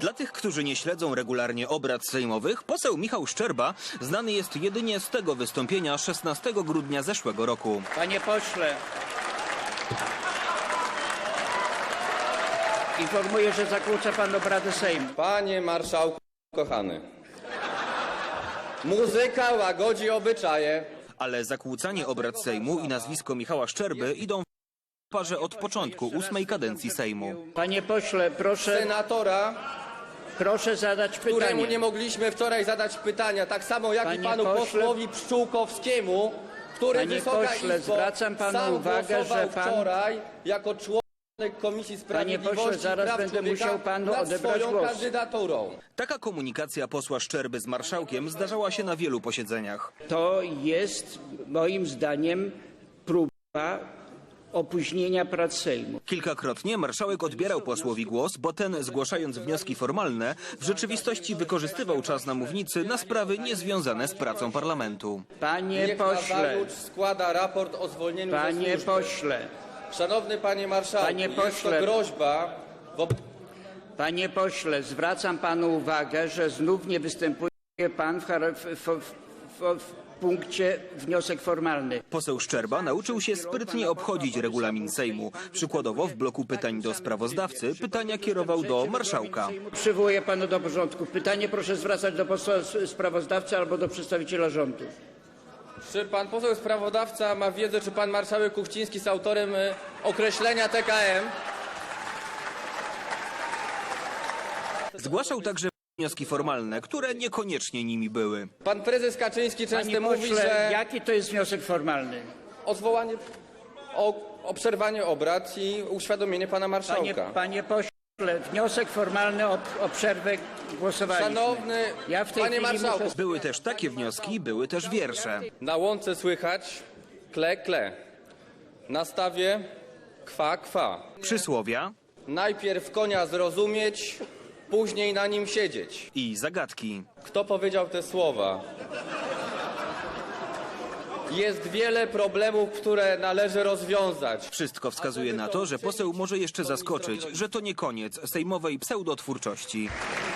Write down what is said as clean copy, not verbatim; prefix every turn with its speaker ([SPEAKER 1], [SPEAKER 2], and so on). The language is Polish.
[SPEAKER 1] Dla tych, którzy nie śledzą regularnie obrad sejmowych, poseł Michał Szczerba znany jest jedynie z tego wystąpienia 16 grudnia zeszłego roku.
[SPEAKER 2] Panie pośle, informuję, że zakłóca pan obrady Sejmu.
[SPEAKER 3] Panie marszałku kochany, muzyka łagodzi obyczaje.
[SPEAKER 1] Ale zakłócanie obrad Sejmu i nazwisko Michała Szczerby idą w parze od początku 8. kadencji Sejmu.
[SPEAKER 2] Panie pośle,
[SPEAKER 3] Senatora,
[SPEAKER 2] proszę zadać
[SPEAKER 3] któremu
[SPEAKER 2] pytanie.
[SPEAKER 3] nie mogliśmy wczoraj zadać pytania, tak samo jak i
[SPEAKER 2] Panie
[SPEAKER 3] panu
[SPEAKER 2] pośle-
[SPEAKER 3] posłowi Pszczółkowskiemu, który,
[SPEAKER 2] Panie
[SPEAKER 3] Wysoka
[SPEAKER 2] pośle,
[SPEAKER 3] Izbo,
[SPEAKER 2] zwracam panu
[SPEAKER 3] sam
[SPEAKER 2] uwagę,
[SPEAKER 3] głosował
[SPEAKER 2] że pan-
[SPEAKER 3] wczoraj jako członek Komisji Sprawiedliwości
[SPEAKER 2] pośle, zaraz
[SPEAKER 3] i Praw
[SPEAKER 2] będę
[SPEAKER 3] Człowieka
[SPEAKER 2] musiał panu
[SPEAKER 3] nad
[SPEAKER 2] odebrać
[SPEAKER 3] swoją
[SPEAKER 2] głos.
[SPEAKER 3] kandydaturą.
[SPEAKER 1] Taka komunikacja posła Szczerby z marszałkiem zdarzała się na wielu posiedzeniach.
[SPEAKER 2] To jest moim zdaniem próba opóźnienia prac Sejmu.
[SPEAKER 1] Kilkakrotnie marszałek odbierał posłowi głos, bo ten, zgłaszając wnioski formalne, w rzeczywistości wykorzystywał czas na mównicy na sprawy niezwiązane z pracą parlamentu.
[SPEAKER 2] Panie
[SPEAKER 3] Niech
[SPEAKER 2] pośle,
[SPEAKER 3] Nazarucz składa raport o zwolnieniu ze
[SPEAKER 2] panie
[SPEAKER 3] służby.
[SPEAKER 2] pośle,
[SPEAKER 3] Szanowny panie marszałku,
[SPEAKER 2] Panie
[SPEAKER 3] jest to
[SPEAKER 2] pośle.
[SPEAKER 3] groźba wobec...
[SPEAKER 2] panie pośle, zwracam panu uwagę, że znów nie występuje pan w punkcie wniosek formalny.
[SPEAKER 1] Poseł Szczerba nauczył się sprytnie obchodzić regulamin Sejmu. Przykładowo w bloku pytań do sprawozdawcy pytania kierował do marszałka.
[SPEAKER 2] Przywołuję panu do porządku. Pytanie proszę zwracać do posła sprawozdawcy albo do przedstawiciela rządu.
[SPEAKER 3] Czy pan poseł sprawozdawca ma wiedzę, czy pan marszałek Kuchciński jest autorem określenia TKM?
[SPEAKER 1] Zgłaszał także wnioski formalne, które niekoniecznie nimi były.
[SPEAKER 3] Pan prezes Kaczyński często
[SPEAKER 2] Panie
[SPEAKER 3] mówi,
[SPEAKER 2] pośle,
[SPEAKER 3] że
[SPEAKER 2] jaki to jest wniosek formalny?
[SPEAKER 3] o zwołanie, o przerwanie obrad i uświadomienie pana marszałka.
[SPEAKER 2] Panie pośle, wniosek formalny o przerwę głosowaliśmy.
[SPEAKER 3] Szanowny
[SPEAKER 2] Ja w tej
[SPEAKER 3] panie
[SPEAKER 2] chwili
[SPEAKER 3] marszałku,
[SPEAKER 2] muszę...
[SPEAKER 1] Były też takie wnioski, były też wiersze.
[SPEAKER 3] na łące słychać kle, kle. Na stawie kwa, kwa.
[SPEAKER 1] Przysłowia
[SPEAKER 3] Najpierw konia zrozumieć, później na nim siedzieć.
[SPEAKER 1] i zagadki.
[SPEAKER 3] Kto powiedział te słowa? Jest wiele problemów, które należy rozwiązać.
[SPEAKER 1] Wszystko wskazuje na to, że poseł może jeszcze zaskoczyć, że to nie koniec sejmowej pseudotwórczości.